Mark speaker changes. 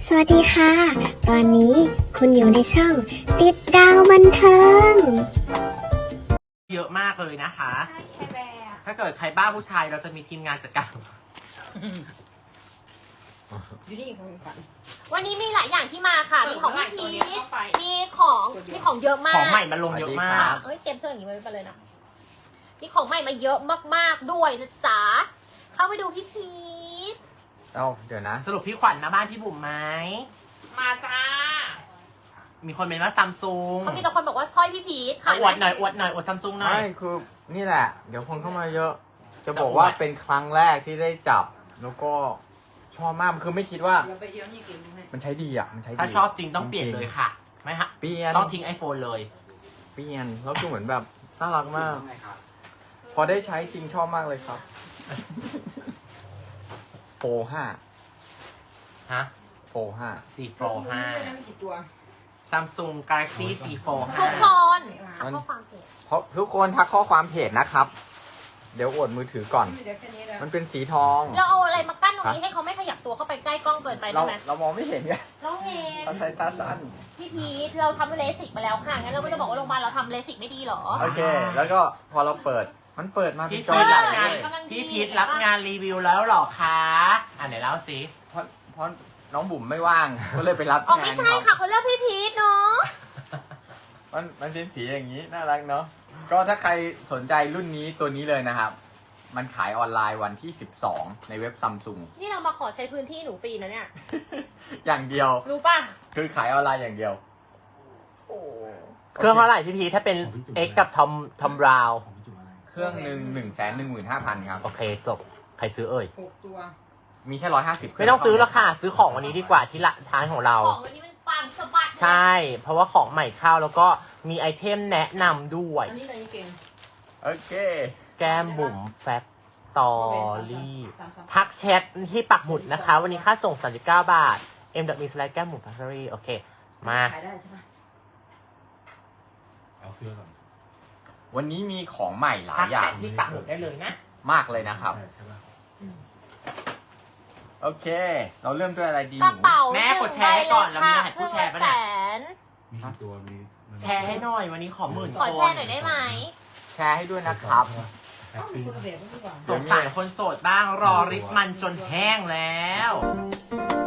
Speaker 1: สวัสดีค่ะ ตอนนี้คุณอยู่ในช่องติดดาวบันเทิง
Speaker 2: เยอะมากเลยนะคะ
Speaker 3: ใช่แคร์แบร์
Speaker 2: ถ้าเกิดใครบ้าผู้ชายเราจะมีทีมงานจัดการ
Speaker 3: อยู่นี่ของฝัน
Speaker 4: วันนี้มีหลายอย่างที่มาค่ะ มีของพี่พี
Speaker 3: ตัวนี้เข้าไป
Speaker 4: มีของเยอะมาก
Speaker 2: ของใหม่มันลงเยอะมาก
Speaker 4: เอ้ยเตรียมเสื้ออย่างนี้ไว้ไปเลยนะ มีของใหม่มาเยอะมากๆด้วยนะจ๊ะ เข้าไปดูพี่พีช
Speaker 5: เดี๋ยวนะ
Speaker 2: สรุปพี่ขวัญมาบ้านพี่บุ๋มไหม
Speaker 3: มาจ้า
Speaker 2: มีคนเป็นว่าซัมซุง
Speaker 4: เขามีแต่คนบอกว่าสร้อยพี่พีชขาย
Speaker 2: อวดหน่อยอวดหน่อยอวดซัมซุงหน่อย
Speaker 5: ไม่คือนี่แหละ เดี๋ยวคนเข้ามาเยอะ จะ
Speaker 2: จะ
Speaker 5: บอก
Speaker 2: อวด
Speaker 5: ว่าเป็นครั้งแรกที่ได้จับ แล้วก็ชอบมากคือไม่คิดว่า
Speaker 3: เราไปเยี่ยมนี่กินไหม
Speaker 5: มันใช้ดีอ่ะ มันใช้ดี
Speaker 2: ถ้าชอบจริงต้องเปลี่ยนเลยค่ะ ไม่ฮะ
Speaker 5: เปลี่ยน
Speaker 2: ต้องทิ้ง iPhone เลย
Speaker 5: เปลี่ยนแล้วคือเหมือนแบบน่ารักมาก พอได้ใช้จริงชอบมากเลยครับโฟ5
Speaker 2: ฮะ
Speaker 5: โฟ5
Speaker 2: 4 Pro
Speaker 3: ไม่กี่ตัว
Speaker 2: 5 Samsung Galaxy C Fold
Speaker 4: ทุกค
Speaker 2: 5
Speaker 4: นทักข้อความเพจ
Speaker 5: เพราะทุกคนทักข้อความเพจนะครับ เดี๋ยวอวดมือถือก่อน
Speaker 3: เดี๋ยวแค่นี้แล้ว
Speaker 5: มันเป็นสีทอง
Speaker 4: เราเอาอะไรมากั้นตรงนี้ให้เขาไม่ขยับตัวเข้าไปใกล้กล้องเกินไปได้ไหม
Speaker 5: เรามองไม่เห็นไง
Speaker 4: เราเห็น
Speaker 5: เราใช้ตาสั้น
Speaker 4: พี่พีชเราทำเลสิกมาแล้วค่ะงั้นเราก็จะบอกว่าโรงพยาบาลเราทำเลสิกไม่ดีเหรอ
Speaker 5: โอเค แล้วก็พอเราเปิด มันเปิดมาเป็
Speaker 2: พี่
Speaker 5: นจอ
Speaker 2: พีท
Speaker 5: ใหญ่
Speaker 2: รับงาน
Speaker 5: เลย
Speaker 4: กำลังดี
Speaker 2: พี่พีทรับงานรีวิวแล้วเหรอคะไหนเล่าสิ
Speaker 5: เพราะน้องบุ๋มไม่ว่าง ก็เลยไปรับ
Speaker 4: อ๋อ
Speaker 5: แท
Speaker 4: ไม่
Speaker 5: น
Speaker 4: ใช่ค่ะเขาเลือกพี่พีชเนาะ
Speaker 5: มันเป็นสีอย่างนี้ น่ารักเนาะ ก็ถ้าใครสนใจรุ่นนี้ตัวนี้เลยนะครับ มันขายออนไลน์วันที่ 12 ในเว็บซัมซุง
Speaker 4: นี่เรามาขอใช้พื้นที่หนูฟรีนะเนี่ย
Speaker 5: อย่างเดียว
Speaker 4: รู้ป่ะ
Speaker 5: คือขายออนไลน์อย่างเดียว โอ้
Speaker 2: เครื่องเท่าไหร่พี่พีทถ้าเป็น X กับทอมราว
Speaker 5: เครื่องหนึ่ง115,000 ครับ
Speaker 2: โอเคจบใครซื้อเอ่ย
Speaker 3: 6 ตัว
Speaker 5: มีแค่150
Speaker 2: ไม่ต้องซื้อแล้วค่ะ ซื้อของวันนี้ดีกว่าที่ละท้ายของเรา
Speaker 4: ของวันนี้มันปังสะบัดเลย
Speaker 2: ใช่ เพราะว่าของใหม่เข้าแล้วก็มีไอเทมแนะนำด้วย
Speaker 3: อันนี้เรายังเก่ง
Speaker 5: โอเค
Speaker 2: แก้มบุ๋มแฟคตอรี่ทักแชทที่ปักหมุดนะคะ วันนี้ค่าส่ง 39 บาท m.me/ แก้มบุ๋มแฟคตอรี่โอเค มา
Speaker 3: ขายได้ใช่ปะ
Speaker 6: เอาเสื้อก่อน
Speaker 5: วันนี้มีของใหม่หลา
Speaker 2: ทั
Speaker 5: ย
Speaker 2: ก
Speaker 5: อ
Speaker 2: แช
Speaker 5: ย่าง
Speaker 2: ทที่ปักหมุดได้เลยนะ
Speaker 5: มากเลยนะครับ
Speaker 6: ใช่ปะ
Speaker 5: โอเค เราเริ่มด้วยอะไรดีห
Speaker 4: กระ
Speaker 5: นู
Speaker 4: เป๋า
Speaker 2: แม่กดแชร์ให้ก่อนแล้วมีรหัสผู้แชร์ปะเนี่ย
Speaker 4: ครึ่งละแสน
Speaker 6: มีกี่ตัวมี
Speaker 2: แชร์ให้หน่อยวันนี้ขอหมื่น
Speaker 4: ขอ
Speaker 2: ค
Speaker 4: แช
Speaker 2: น
Speaker 4: ร์หน่อยได้ไหม
Speaker 5: แชร์ให้ด้วยนะครับ
Speaker 6: แท็กซี่
Speaker 3: คุณเสียก็ดีกว่า
Speaker 2: สงสารคนโสดบ้างรอริบมันจนแห้งแล้ว